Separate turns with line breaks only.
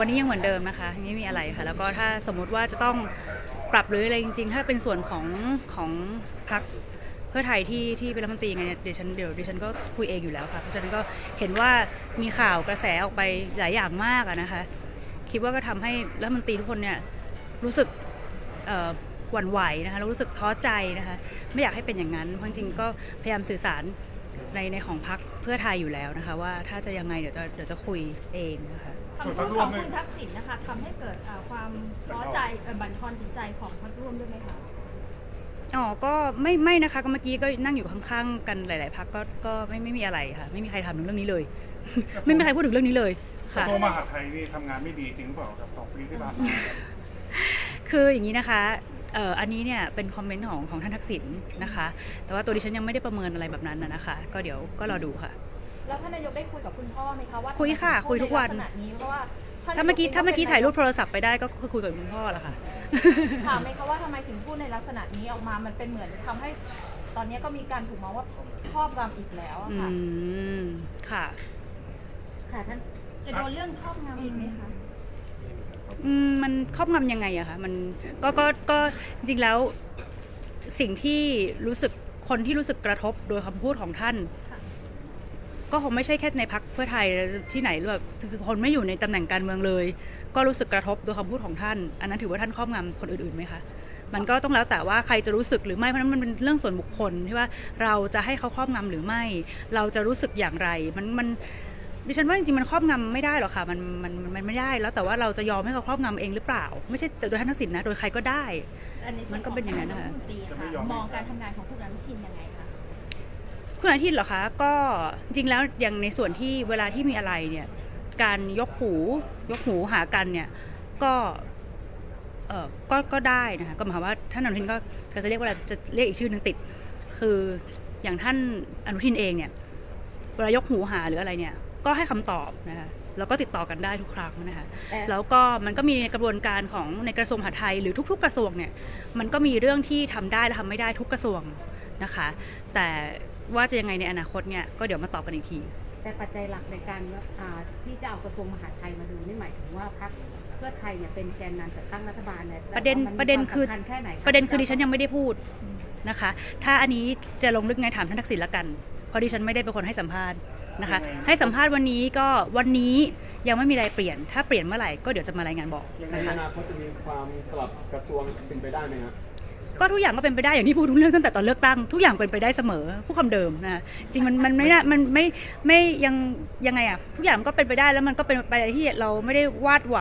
วันนี้ยังเหมือนเดิมนะคะไม่มีอะไรค่ะแล้วก็ถ้าสมมุติว่าจะต้องปรับหรืออะไรจริงๆถ้าเป็นส่วนของพรรคเพื่อไทยที่เป็นรัฐมนตรีไงเดี๋ยวดิฉันก็คุยเองอยู่แล้วค่ะเพราะฉะนั้นก็เห็นว่ามีข่าวกระแสออกไปหลายอย่างมากนะคะคิดว่าก็ทำให้รัฐมนตรีทุกคนเนี่ยรู้สึกหวั่นไหวนะคะแล้วรู้สึกท้อใจนะคะไม่อยากให้เป็นอย่างนั้นเพราะจริงๆก็พยายามสื่อสารในของพรรคเพื่อไทยอยู่แล้วนะคะว่าถ้าจะยังไงเดี๋ยวจะคุยเองนะคะ
คำพูดของคุณทักษิณนะคะทำให้เกิดความท้อใจบั่นทอนจิตใจของพรรคร่วมด้วยไหมคะ
อ๋อก็ไม่นะคะก็เมื่อกี้ก็นั่งอยู่ข้างๆกันหลายๆพรรคก็ไม่มีอะไรค่ะไม่มีใครทำถึงเรื่องนี้เลย ไม่มีใครพูดถึงเรื่องนี้เลยค่ะ
กระทรวงมหาดไทยนี่ทำงานไม่ดีจริงหรือเปล่าครับ2 ปีที่ผ่านมา
คืออย่างนี้นะคะอันนี้เนี่ยเป็นคอมเมนต์ของท่านทักษิณนะคะแต่ว่าตัวดิฉันยังไม่ได้ประเมินอะไรแบบนั้นนะคะก็เดี๋ยวก็รอดูค่ะ
แล้วท่านนายกได้คุยกับคุณพ่อไหมคะว่า
คุยค่ะคุยทุกวัน
เพราะว่า
ถ้าเมื่อกี้ถ่ายรูปโทรศัพท์ไปได้ก็คือคุยกับคุณพ่อแหละค่ะ
ถามไหมคะว่าทำไมถึงพูดในลักษณะนี้ออกมามันเป็นเหมือนทำให้ตอนนี้ก็มีการถูกมองว่าครอบงำอีกแล้วค่ะ
ค่ะ
ค่ะท่านจะโดนเรื่องครอบงำอีกไหมคะ
มันครอบงำยังไงอะคะมันก็จริงแล้วสิ่งที่รู้สึกคนที่รู้สึกกระทบโดยคำพูดของท่านก็คงไม่ใช่แค่ในพรรคเพื่อไทยที่ไหนแบบคือคนไม่อยู่ในตำแหน่งการเมืองเลยก็รู้สึกกระทบโดยคำพูดของท่านอันนั้นถือว่าท่านครอบงำคนอื่นๆไหมคะมันก็ต้องแล้วแต่ว่าใครจะรู้สึกหรือไม่เพราะนั้นมันเป็นเรื่องส่วนบุคคลที่ว่าเราจะให้เขาครอบงำหรือไม่เราจะรู้สึกอย่างไรมันดิฉันว่าจริงๆมันครอบงำไม่ได้หรอกค่ะมันไม่ได้แล้วแต่ว่าเราจะยอมให้เขาครอบงำเองหรือเปล่าไม่ใช่โดยท่านทักษิณนะโดยใครก็ได้มันก็เป็นอย่างนั้นนะคะ
มองการทำงานของผู้นำทีมยังไงคะ
คุณอาทิตย์เหรอคะก็จริงแล้วอย่างในส่วนที่เวลาที่มีอะไรเนี่ยการยกหูหากันเนี่ยก็ก็ได้นะคะก็หมายความว่าท่านอนุทินก็จะเรียกว่าจะเรียกอีกชื่อนึงติดคืออย่างท่านอนุทินเองเนี่ยเวลายกหูหาหรืออะไรเนี่ยก็ให้คำตอบนะคะแล้วก็ติดต่อกันได้ทุกครั้งนะคะแล้วก็มันก็มีกระบวนการของในกระทรวงมหาดไทยหรือทุกๆกระทรวงเนี่ยมันก็มีเรื่องที่ทำได้และทำไม่ได้ทุกกระทรวงนะคะแต่ว่าจะยังไงในอนาคตเนี่ยก็เดี๋ยวมาตอบกันอีกที
แต่ปัจจัยหลักในการที่จะเอากระทรวงมหาดไทยมาดูนี่หมายถึงว่าพรรคเพื่อไทยเนี่ยเป็นแกนนำจัดตั้งรัฐบาลเนี่ย
ประเด็นคือดิฉันยังไม่ได้พูดนะคะถ้าอันนี้จะลงลึกไงถามท่านทักษิณละกันเพราะดิฉันไม่ได้เป็นคนให้สัมภาษณ์นะคะให้สัมภาษณ์วันนี้ยังไม่มีอะไรเปลี่ยนถ้าเปลี่ยนเมื่อไหร่ก็เดี๋ยวจะมารายงานบอก
นะคะในอนาคตจะมีความสลับกระทรวงเป็นไปได้ไหมครับ
ก็ทุกอย่างก็เป็นไปได้อย่างที่พูดทุกเรื่องตั้งแต่ตอนเลือกตั้งทุกอย่างเป็นไปได้เสมอผู้คำเดิมนะจริงมันไม่ได้มันไม่ยังไงอะทุกอย่างก็เป็นไปได้แล้วมันก็เป็นไปที่เราไม่ได้วาดหวัง